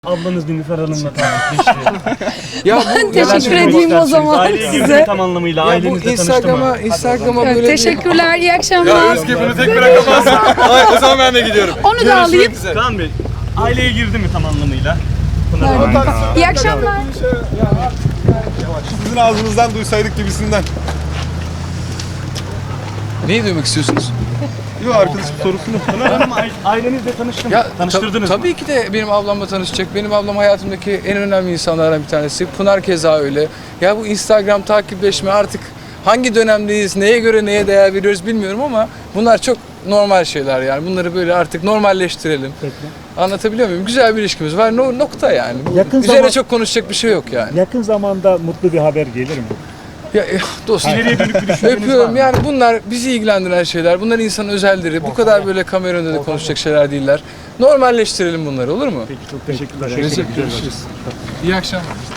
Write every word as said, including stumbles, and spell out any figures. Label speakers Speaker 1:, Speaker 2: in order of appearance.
Speaker 1: Ablanız Nilüfer Hanım'la tanıştı.
Speaker 2: Ya
Speaker 3: Ben teşekkür edeyim o zaman
Speaker 1: Aileyi
Speaker 3: size.
Speaker 1: girdi tam anlamıyla.
Speaker 2: Ya bu
Speaker 1: Ailenizle tanıştı
Speaker 2: Instagram'a,
Speaker 1: mı?
Speaker 2: Instagram'a
Speaker 3: Evet,
Speaker 2: böyle
Speaker 3: teşekkürler, iyi
Speaker 4: Ya
Speaker 3: akşamlar.
Speaker 4: Özge bunu tek bırakamazsın. Ay, o zaman ben de gidiyorum.
Speaker 3: Onu da alayım.
Speaker 4: Görüşmek üzere.
Speaker 1: Kaan Bey, aileye girdi mi tam anlamıyla? Pınar Hanım.
Speaker 3: İyi akşamlar.
Speaker 4: Sizin ağzınızdan duysaydık gibisinden.
Speaker 2: neyi duymak istiyorsunuz?
Speaker 4: Yok arkadaşım sorusunu.
Speaker 1: Pınar Hanım aile- ailenizle tanıştı mı?
Speaker 2: Ya
Speaker 1: Tanıştırdınız
Speaker 2: ta-
Speaker 1: mı?
Speaker 2: tabii ki de benim ablamla tanışacak. Benim ablam hayatımdaki en önemli insanlardan bir tanesi. Pınar keza öyle. Ya bu Instagram takipleşme artık hangi dönemdeyiz, neye göre neye değer veriyoruz bilmiyorum ama bunlar çok normal şeyler yani. Bunları böyle artık normalleştirelim.
Speaker 5: Peki.
Speaker 2: Anlatabiliyor muyum? Güzel bir ilişkimiz var. No, nokta yani. Bu-
Speaker 5: Yakın
Speaker 2: Üzerine
Speaker 5: zaman-
Speaker 2: çok konuşacak bir şey yok yani.
Speaker 5: Yakın zamanda mutlu bir haber gelir mi?
Speaker 2: Ya eh, dostum.
Speaker 1: İleriye dönük bir düşünceniz var
Speaker 2: Öpüyorum.
Speaker 1: mı?
Speaker 2: Yani bunlar bizi ilgilendiren şeyler. Bunlar insanın özelleri. Bu kadar böyle kamera önünde de konuşacak şeyler değiller. Normalleştirelim bunları, olur mu?
Speaker 5: Peki çok teşekkürler.
Speaker 2: Görüşürüz. İyi akşamlar.